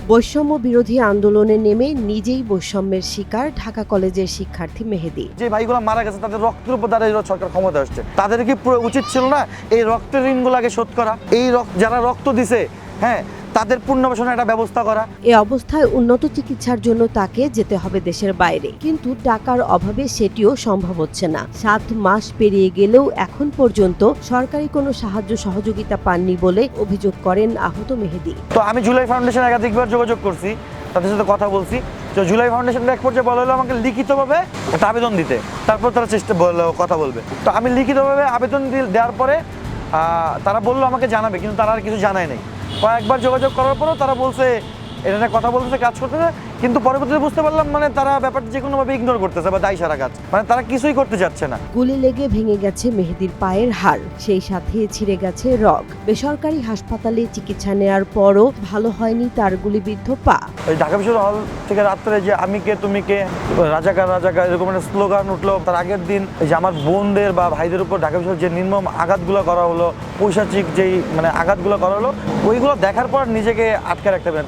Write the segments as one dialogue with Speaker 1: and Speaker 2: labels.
Speaker 1: বৈষম্য বিরোধী আন্দোলনে নেমে নিজেই বৈষম্যের শিকার ঢাকা কলেজের শিক্ষার্থী মেহেদী।
Speaker 2: যে ভাইগুলো মারা গেছে তাদের রক্তের উপর দাঁড়িয়ে সরকার ক্ষমতা আসছে, তাদের কি পুরো উচিত ছিল না এই রক্তের ঋণগুলো আগে শোধ করা, এই যারা রক্ত দিছে হ্যাঁ তাদের পুনর্বাসনের একটা ব্যবস্থা করা।
Speaker 1: এ অবস্থায় উন্নত চিকিৎসার জন্য তাকে যেতে হবে দেশের বাইরে, কিন্তু টাকার অভাবে সেটিও সম্ভব হচ্ছে না। 7 মাস পেরিয়ে গেলেও এখন পর্যন্ত সরকারি কোনো সাহায্য সহযোগিতা পাননি বলে অভিযোগ করেন আহত মেহেদী।
Speaker 2: তো আমি জুলাই ফাউন্ডেশনে একাধিকবার যোগাযোগ করছি, তাদের সাথে কথা বলছি। তো জুলাই ফাউন্ডেশনের এক পর্যায়ে বলা হলো আমাকে লিখিতভাবে একটা আবেদন দিতে, তারপর তারা কথা বলবে। তো আমি লিখিতভাবে আবেদন দেওয়ার পরে তারা বললো আমাকে জানাবে, কিন্তু তারা আর কিছু জানায় নাই। কয়েকবার যোগাযোগ করার পরেও তারা বলছে এটা নিয়ে কথা বলতেছে, কাজ করতেছে, কিন্তু পরবর্তীতে বুঝতে পারলাম মানে তারা ব্যাপারটা যে কোনোভাবে ইগনোর করতেছে বা দায় সারা কাজ, মানে তারা কিছুই করতে চাচ্ছে না।
Speaker 1: গুলি লেগে ভেঙে গেছে মেহেদীর পায়ের হাড়, সেই সাথে ছিঁড়ে গেছে রগ। বেসরকারি হাসপাতালে চিকিৎসা নেওয়ার পরও ভালো হয়নি তার গুলিবিদ্ধ পা।
Speaker 2: ওই ঢাকা বিশ্ববিদ্যালয় হল থেকে রাত্রে যে আমি কে তুমি কে, রাজাকার রাজাকার এরকম একটা স্লোগান উঠলো। তার আগের দিন যে আমার বোনদের বা ভাইদের উপর ঢাকা বিশ্ববিদ্যালয় যে নির্মম আঘাতগুলো করা হলো, পৈশাচিক যেই মানে আঘাতগুলো করা হলো, ওইগুলো দেখার পর নিজেকে আটকে রাখতে পারে।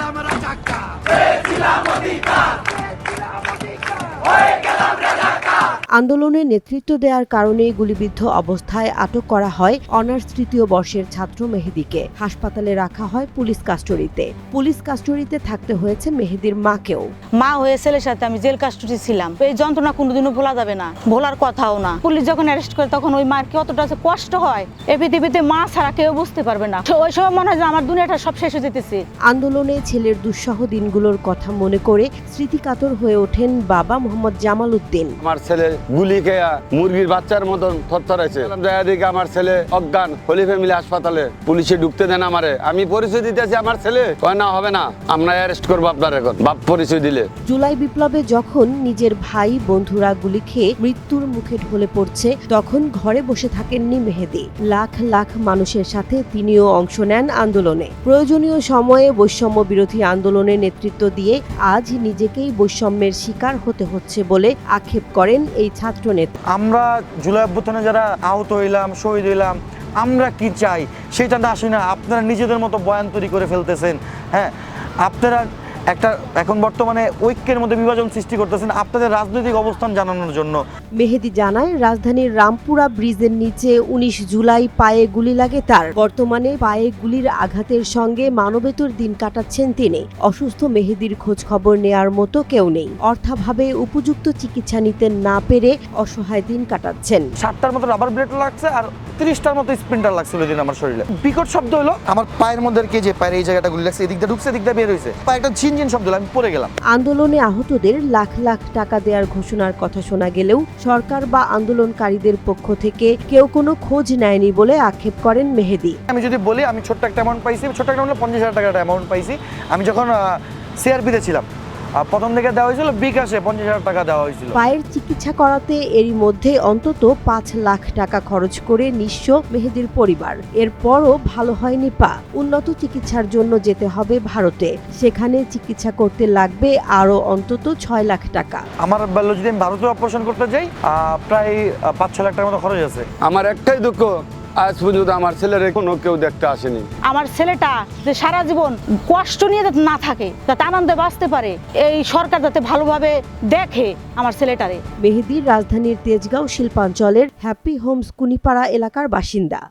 Speaker 1: আন্দোলনে নেতৃত্ব দেওয়ার কারণে গুলিবিদ্ধ অবস্থায় আটক করা হয় অনার্স 3য় বর্ষের ছাত্র মেহেদীকে। হাসপাতালে রাখা হয় পুলিশ কাস্টডিতে। পুলিশ কাস্টডিতে থাকতে হয়েছে মেহেদীর মাকেও।
Speaker 3: মা হয়ে ছেলের সাথে আমি জেল কাস্টডি ছিলাম। এই যন্ত্রণা কোনোদিনও ভোলা যাবে না, ভোলার কথাও না। পুলিশ যখন অ্যারেস্ট করে তখন ওই মার কতটা কষ্ট হয় এই পৃথিবীতে মা ছাড়া কেউ বুঝতে পারবে না। ওই সময় মনে হয় যে আমার দুনিয়াটা সব শেষ হয়ে যেতেছে।
Speaker 1: আন্দোলনে ছেলের দুঃসহ দিনগুলোর কথা মনে করে স্মৃতিকাতর হয়ে ওঠেন বাবা মোহাম্মদ জামাল উদ্দিন।
Speaker 4: আমার ছেলে গুলি খেয়ে মুরগির বাচ্চার মতন থরথরাইছে। দিকে আমার ছেলে অজ্ঞান, হোলি ফ্যামিলি হাসপাতালে। পুলিশে ঢুকতে দেন আমারে, আমি পরিচয় দিতেছি আমার ছেলে, কয় না হবে না, আমরা অ্যারেস্ট করবো আপনার এখন বাপ পরিচয় দিলে।
Speaker 1: জুলাই বিপ্লবে যখন নিজের ভাই বন্ধুরা গুলি খেয়ে মৃত্যুর মুখে ঢলে পড়ছে, তখন ঘরে বসে থাকেননি মেহেদী। লাখ লাখ মানুষের সাথে তিনিও অংশ নেন আন্দোলনে। প্রয়োজনীয় সময়ে বৈষম্য বিরোধী আন্দোলনে নেতৃত্ব দিয়ে আজ নিজেকেই বৈষম্যের শিকার হতে হচ্ছে বলে আক্ষেপ করেন এই ছাত্র নেতা।
Speaker 2: আমরা জুলাই অভ্যুত্থানে যারা আহত হইলাম, শহীদ হইলাম, আমরা কি চাই সেটা না আসি না। আপনারা নিজেদের মতো বয়ান তৈরি করে ফেলতেছেন। হ্যাঁ, আপনারা একটা এখন বর্তমানে ঐক্যের মধ্যে বিভাজন সৃষ্টি করতেছেন আপনাদের রাজনৈতিক অবস্থান জানানোর জন্য।
Speaker 1: মেহেদী জানায় রাজধানীর রামপুরা ব্রিজের নিচে 19 জুলাই পায়ে গুলি লাগে তার। বর্তমানে পায়ে গুলির আঘাতের সঙ্গে মানবেতর দিন কাটাচ্ছেন তিনি। অসুস্থ মেহেদীর খোঁজ খবর নেয়ার মতো কেউ নেই। অর্থাভাবে উপযুক্ত চিকিৎসা নিতে না পেরে অসহায় দিন কাটাচ্ছেন।
Speaker 2: 60টার মতো রাবার ব্লেড লাগছে আর 30টার মতো স্প্রিন্টার লাগছিল ওই দিন আমার শরীরে। বিকট শব্দ হলো, আমার পায়ের মধ্যে যে পায়ের এই জায়গাটা গুলি লাগছে, এদিক দিয়ে ঢুকছে, এদিক দিয়ে বের হয়েছে, পায়েটা ঝিনঝিন শব্দ হলো, আমি পড়ে গেলাম।
Speaker 1: আন্দোলনে আহতদের লাখ লাখ টাকা দেওয়ার ঘোষণার কথা শোনা গেলেও সরকার বা আন্দোলনকারীদের পক্ষ থেকে কেউ কোনো খোঁজ নেয়নি বলে আক্ষেপ করেন মেহেদী।
Speaker 2: আমি যদি বলি আমি ছোট্ট একটা অ্যামাউন্ট পাইছি, ছোট্ট একটা 50,000 টাকার অ্যামাউন্ট পাইছি। আমি যখন সিআরপিতে ছিলাম প্রথম থেকে দেওয়া হয়েছিল বিকাশে 50,000 টাকা দেওয়া হয়েছিল।
Speaker 1: পায়ের চিকিৎসা করাতে এরই মধ্যে অন্তত 5 লাখ টাকা খরচ করে নিঃস্ব মেহেদীর পরিবার। এরপরও ভালো হয়নি পা। উন্নত চিকিৎসার জন্য যেতে হবে ভারতে। সেখানে চিকিৎসা করতে লাগবে আরও অন্তত 6 লাখ টাকা।
Speaker 2: আমার বললো যদি আমি ভারতে অপারেশন করতে যাই প্রায় 5-6 লাখ টাকার মতো খরচ আছে।
Speaker 4: আমার একটাই দুঃখ, আজ পর্যন্ত আমার ছেলের কোনো কেউ দেখতে আসেনি।
Speaker 3: আমার ছেলেটা যে সারা জীবন কষ্ট নিয়ে যাতে না থাকে, যাতে আনন্দে বাঁচতে পারে, এই সরকার যাতে ভালোভাবে দেখে আমার ছেলেটারে।
Speaker 1: মেহেদী রাজধানীর তেজগাঁও শিল্পাঞ্চলের হ্যাপি হোমস কুনিপাড়া এলাকার বাসিন্দা।